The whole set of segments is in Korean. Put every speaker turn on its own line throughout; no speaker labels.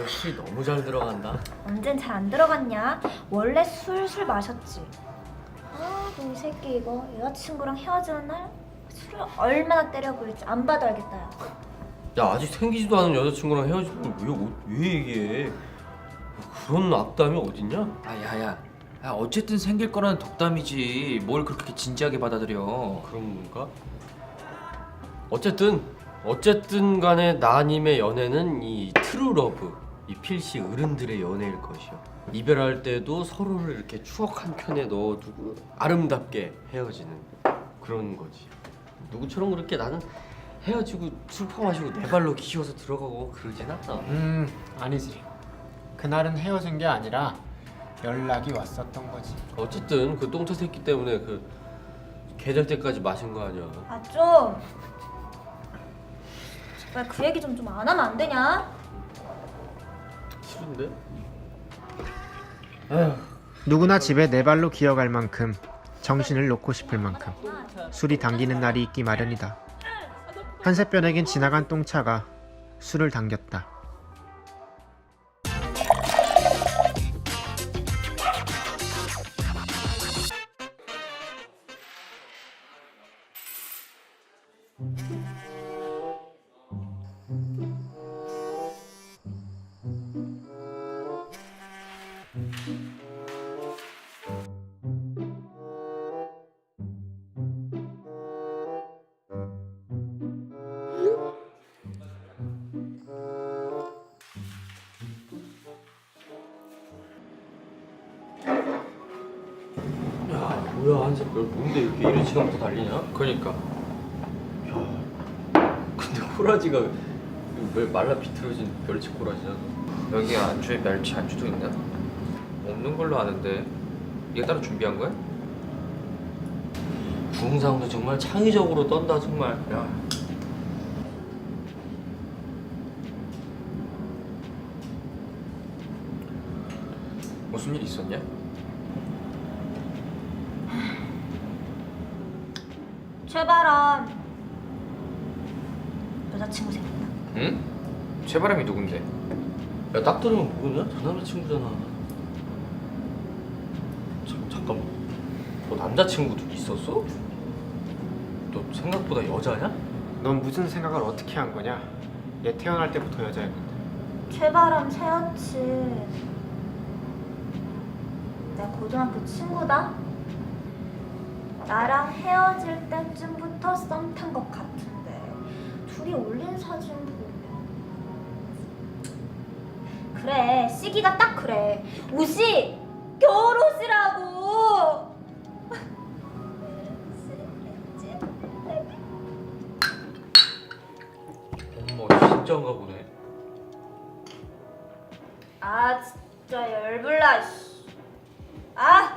씨 너무 잘 들어간다.
언젠 잘 안 들어갔냐? 원래 술술 마셨지. 아, 너 이 새끼 이거 여자친구랑 헤어지는 날 술을 얼마나 때려 부을지 안 봐도 알겠다. 야.
야 아직 생기지도 않은 여자친구랑 헤어진 걸 왜 얘기해? 그런 악담이 어딨냐?
아 야야, 야, 어쨌든 생길 거라는 덕담이지 뭘 그렇게 진지하게 받아들여.
그런 건가? 어쨌든 간에 나님의 연애는 이 트루러브, 이 필시 어른들의 연애일 것이요. 이별할 때도 서로를 이렇게 추억 한 켠에 넣어두고 아름답게 헤어지는 그런 거지. 누구처럼 그렇게 나는 헤어지고 술 퍼마시고 내 발로 기어서 들어가고 그러진 않아.
아니지. 그날은 헤어진 게 아니라 연락이 왔었던 거지.
어쨌든 그 똥차 새끼 때문에 그 계절 때까지 마신 거 아니야.
아 좀. 제발 그 얘기 좀 안 하면 안 되냐?
싫은데?
누구나 집에 네 발로 기어갈 만큼 정신을 놓고 싶을 만큼 술이 당기는 날이 있기 마련이다. 한세변에겐 지나간 똥차가 술을 당겼다.
야 뭐야 한새별 뭔데 이렇게 이른 시간부터 달리냐?
그러니까
근데 꼬라지가 왜 말라 비틀어진 멸치 꼬라지야?
여기 안주에 멸치 안주도 있나? 없는 걸로 아는데 이게 따로 준비한 거야?
구흥상도 정말 창의적으로 떤다 정말. 야
무슨 일 있었냐?
최바람 여자친구 생겼다.
응? 최바람이 누군데?
야 딱 들으면 모르냐? 저 남자친구잖아. 잠깐만 너 남자친구도 있었어? 너 생각보다 여자냐?
넌 무슨 생각을 어떻게 한 거냐? 얘 태어날 때부터 여자였는데.
최바람 새였지. 내 고등학교 친구다. 나랑 헤어질 때쯤부터 썸 탄 것 같은데 둘이 올린 사진 보면 그래 시기가 딱 그래. 옷이 겨울옷이라고.
어머 진짜인가 보네.
아 진짜 열불나. 씨. 아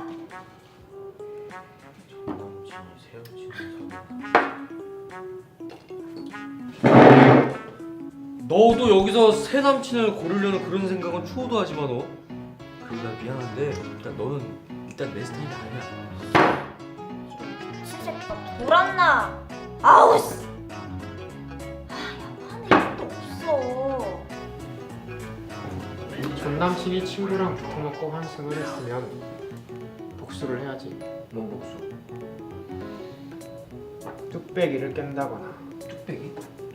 너도 여기서 새 남친을 고르려는 그런 생각은 추호도 하지 마 너. 그리고 난 미안한데 일단 너는 일단 내 스타일이 아니야.
미친 새끼가 돌았나. 아우 씨. 아야 화낼 것도 없어.
전 남친이 친구랑 붙어먹고 환승을 했으면 복수를 해야지.
뭔 복수?
뚝배기를 깬다거나
뚝배기?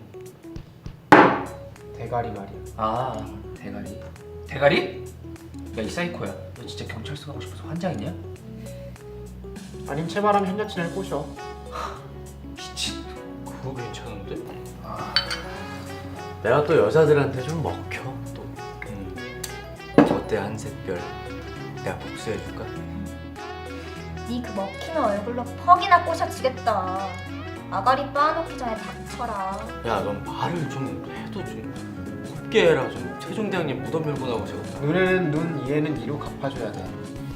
대가리 말이야.
아 대가리. 대가리? 야 이 사이코야, 너 진짜 경찰서 가고 싶어서 환장했냐?
아님 최바람 현 여친을 꼬셔.
미친.
그거 괜찮은데?
아
내가 또 여자들한테 좀 먹혀 또. 저때 한샛별 내가 복수해줄까?
네 그 먹히는 얼굴로 퍽이나 꼬셔지겠다. 아가리 빻아놓기 전에 닥쳐라.
야 넌 말을 좀 해도 좀 곱게 해라. 좀 세종대왕님 무덤 열고 나오시겠다.
눈에는 눈, 이에는 이로 갚아줘야 돼.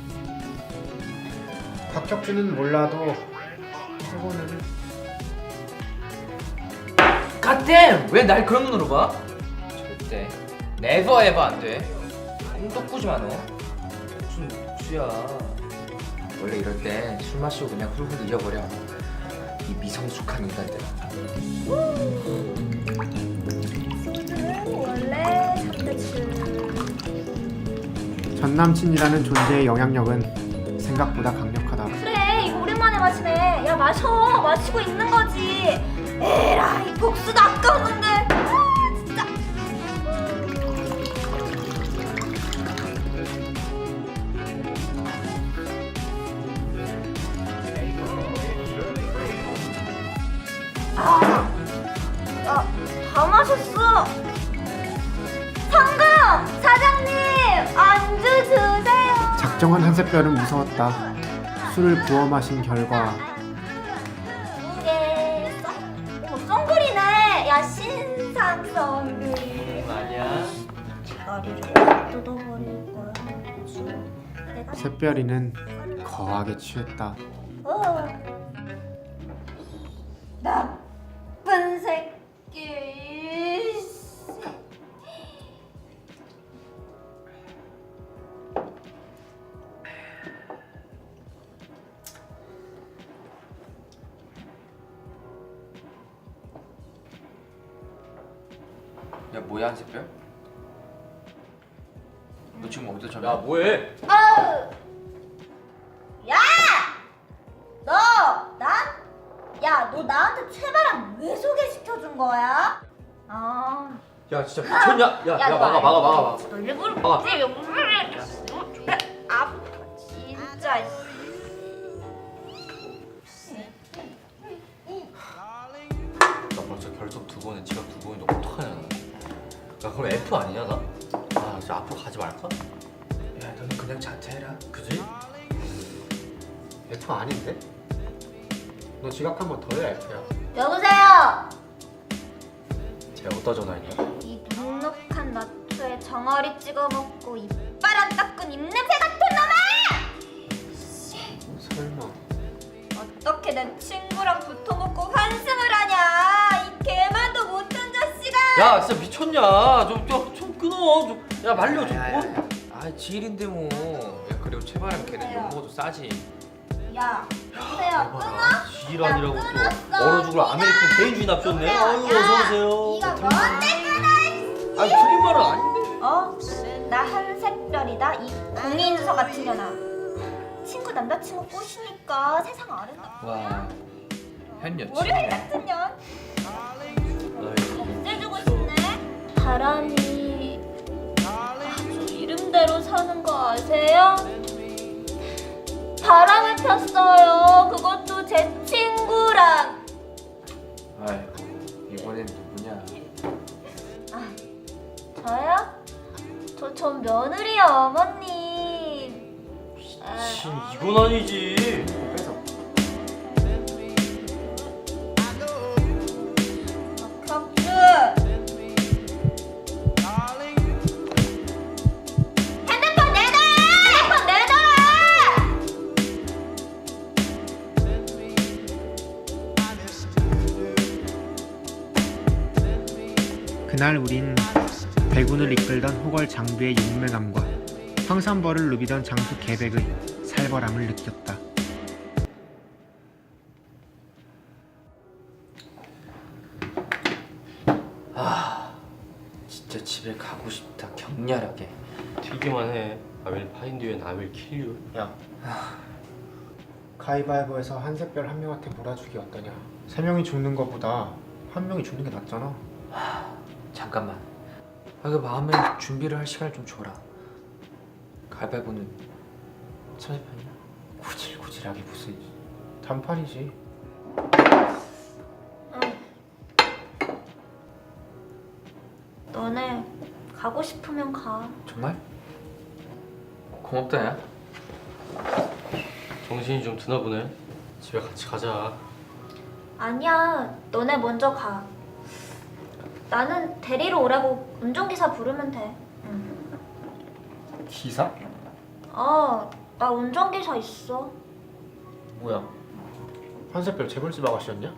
박혁준은 몰라도 최고는
갓댐! 왜 날 그런 눈으로 봐? 절대 네버 에버 안 돼. 꿈도 꾸지 마 너. 무슨 복수야. 원래 이럴 때 술 마시고 그냥 훌훌 잊어버려 이 미성숙한 인간들.
원래 3대7
전남친이라는 존재의 영향력은 생각보다 강력하다.
그래, 이거 오랜만에 마시네. 야, 마셔. 마시고 있는 거지. 에라이, 복수도 아까웠는데. 아, 진짜. 다 마셨어. 성금! 사장님! 안주 주세요.
작정한 한샛별은 무서웠다. 술을 부어 마신 결과
이게 썬글이네. 야, 신상 썬글.
아니야.
머리를 뜯어버릴 거야. 내가
샛별이는 거하게 취했다.
나쁜 새끼.
야 뭐야 한샛별? 너 지금 어디서 저래?
야 뭐해?
아우! 야! 너! 야, 너 나한테 최바람 왜 소개시켜준 거야? 아,
야 진짜 미쳤냐? 야
너
막아.
너 일부러
막아.
그랬지? 아, 진짜.
나 벌써 결석 2번에 지각 2번인데 어떡하냐 나. 야 그럼 F 아니냐 나? 아 진짜 앞으로 가지 말까?
야 너는 그냥 자퇴해라.
그지?
F 아닌데? 너 지각 한 번 더 해야 F야.
여보세요?
쟤 어디다 전화했냐?
이 눅눅한 나초에 정어리 찍어 먹고 이빨 안 닦은 입냄새 같은 놈아!
설마
어떻게 내 친구랑 붙어먹고 환승을 하냐? 이 개만도 못한 자식아!
야 진짜 미쳤냐? 좀 끊어. 야 말려 좀. 뭐?
아 지일인데 뭐. 야 그리고 최바람 걔는 욕 먹어도 싸지.
야, 여보세요? 끊어?
지랄이라고
야,
또
끊었어.
얼어 죽을 아메리칸 개인주의 납셨네. 아유 어서오세요.
이거 뭔데 끊어?
아니 틀린 말은 아닌데.
어? 나 한샛별이다 이 공인서 같은 년아. 친구 남자친구 꼬시니까 세상 아름답다.
와 현여친.
월요일 같은 년. 없애주고 싶네. 바람이 아주 이름대로 사는 거 아세요? 바람을 폈어요. 그것도 제 친구랑.
아이고 이번엔 누구냐?
아, 저요? 전 며느리요, 어머님. 아,
진 이건 아니지.
뺏어.
격주. 핸드폰 내놔! 핸드폰 내놔라!
그날 우린 배군을 이끌던 호걸 장비의 용맹함과 황산벌을 누비던 장수 계백의 살벌함을 느꼈다.
진짜 집에 가고 싶다 격렬하게.
튀기만 해. I will find you and I will kill you.
야, 가위바위보에서 한샛별 한 명한테 몰아주기 어떠냐? 세 명이 죽는 것보다 한 명이 죽는 게 낫잖아.
잠깐만. 그 마음에 준비를 할 시간을 좀 줘라. 가위바위보는 30판이야?
구질구질하게 무슨 단판이지.
너네 가고 싶으면 가.
정말? 고맙다 야.
정신이 좀 드나 보네. 집에 같이 가자.
아니야, 너네 먼저 가. 나는 데리러 오라고 운전기사 부르면 돼. 응.
기사?
나 운전기사 있어.
뭐야? 한샛별 재벌집 아가씨였냐?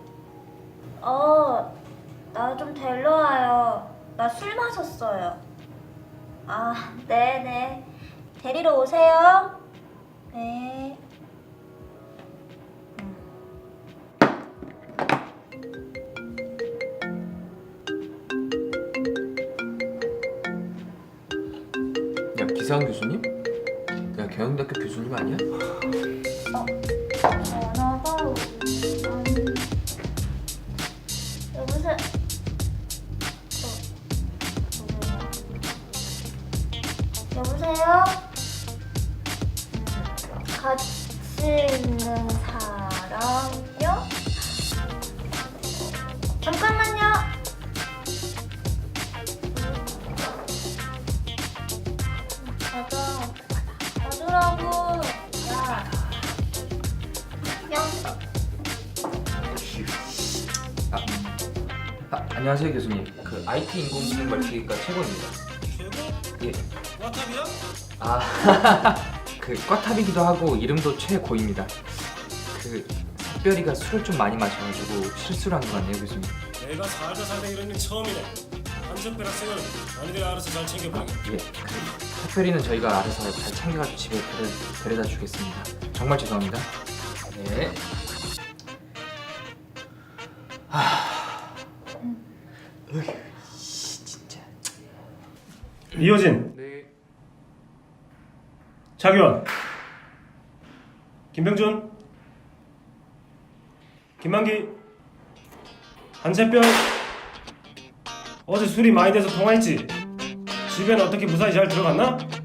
나 좀 데려와요. 나 술 마셨어요. 아, 네네. 데리러 오세요. 네.
야 기사한 교수님? 경영대학교 교수님 아니야?
전화가 여보세요. 여보세요? 같이 있는 사람요? 잠깐만요. 가더라고. 야.
안녕하세요 교수님. 그 IT 인공지능 멀티기가 최고입니다. 예.
꽈탑이야?
그 꽈탑이기도 하고 이름도 최고입니다. 그 샛별이가 술을 좀 많이 마셔가지고 실수를 한 것 같네요 교수님.
내가 살다 이런 일 처음이네. 한석별 학생은 너희들이 알아서 잘 챙겨보게.
예. 그 샛별이는 저희가 알아서 잘 챙겨가지고 집에 데려다 주겠습니다. 정말 죄송합니다. 네. 진짜.
이효진,
네.
차규원, 김병준, 김만기, 한세별. 어제 술이 많이 돼서 통화했지? 집에는 어떻게 무사히 잘 들어갔나?